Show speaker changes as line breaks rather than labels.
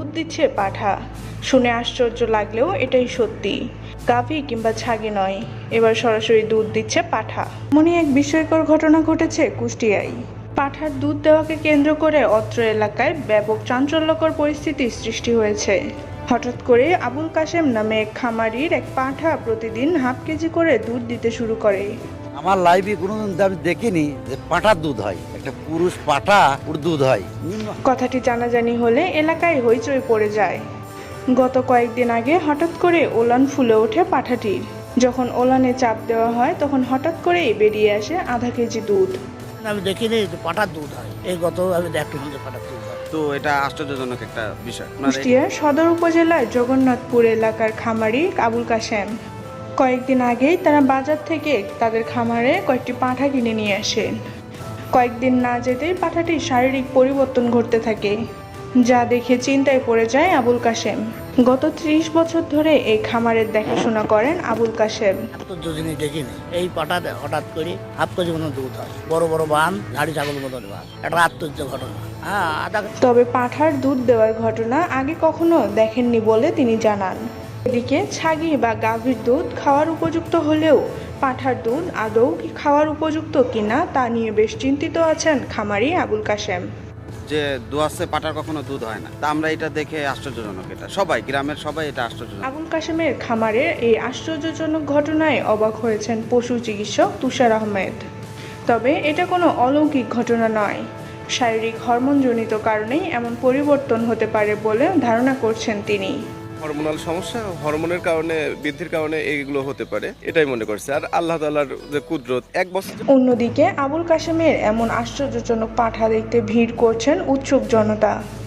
দিচ্ছে পাঠা। শুনে আশ্চর্য লাগলেও এটাই সত্যি। গাভী কিংবা ছাগি নয়, এবার সরাসরি দুধ দিচ্ছে পাঠা। এমনই এক বিস্ময়কর ঘটনা ঘটেছে কুষ্টিয়ায়। পাঠার দুধ দেওয়াকে কেন্দ্র করে অত্র এলাকায় ব্যাপক চাঞ্চল্যকর পরিস্থিতির সৃষ্টি হয়েছে। হঠাৎ করে আবুল কাশেম নামে এক খামারির এক পাঠা প্রতিদিন হাফ কেজি করে দুধ দিতে শুরু করে।
আমার লাইফে কোনোদিন আমি দেখিনি যে পাঁঠার দুধ হয়, একটা পুরুষ পাঁঠা ওর দুধ হয়।
কথাটি জানাজানি হলে এলাকায় হইচই পড়ে যায়। গত কয়েকদিন আগে হঠাৎ করে ওলান ফুলে ওঠে পাঠাটির। যখন ওলানে চাপ দেওয়া হয় তখন হঠাৎ করেই বেরিয়ে আসে আধা কেজি দুধ।
আমি দেখিনি যে পাঠার দুধ হয়, এই গত আমি দেখলাম যে পাঠার দুধ হয়।
তো এটা আশ্চর্যজনক একটা বিষয়।
কুষ্টিয়ার সদর উপজেলার জগন্নাথপুর এলাকার খামারি আবুল কাশেম কয়েকদিন আগেই তারা বাজার থেকে তাদের খামারে কয়েকটি পাঁঠা কিনে নিয়ে আসেন। কয়েকদিন না যেতেই পাঁঠাটির শারীরিক পরিবর্তন ঘটতে থাকে, যা দেখে চিন্তায় পড়ে যায় আবুল কাশেম। গত 30 বছর ধরে এই খামারের দেখাশোনা করেন আবুল কাশেম।
আশ্চর্য জিনিস দেখিনি, এই পাঠাতে হঠাৎ করে হাফ কেজি মতো দুধ হয়, বড় বড় বান, ঝাড়ি ছাগল মতন বান, একটা আশ্চর্য ঘটনা।
তবে পাঁঠার দুধ দেওয়ার ঘটনা আগে কখনো দেখেননি বলে তিনি জানান। এদিকে ছাগি বা গাভীর দুধ খাওয়ার উপযুক্ত হলেও পাঁঠার দুধ আদৌ কি খাওয়ার উপযুক্ত কিনা তা নিয়ে বেশ চিন্তিত আছেন খামারি আবুল কাশেম।
যে দোয়াশে পাটার কখনো দুধ হয় না, তা আমরা এটা দেখে আশ্চর্যজনক। এটা সবাই, গ্রামের সবাই এটা আশ্চর্যজনক।
আবুল কাশেমের খামারের এই আশ্চর্যজনক ঘটনায় অবাক হয়েছেন পশু চিকিৎসক তুষার আহমেদ। তবে এটা কোনো অলৌকিক ঘটনা নয়, শারীরিক হরমোনজনিত কারণেই এমন পরিবর্তন হতে পারে বলে ধারণা করছেন তিনি।
হরমোনাল সমস্যা, হরমোনের কারণে, বৃদ্ধির কারণে এইগুলো হতে পারে, এটাই মনে করছে। আর আল্লাহ তাআলার যে কুদরত, 1 বছর।
অন্যদিকে আবুল কাশেমের এমন আশ্চর্যজনক পাঁঠা দেখতে ভিড় করছেন উৎসুক জনতা।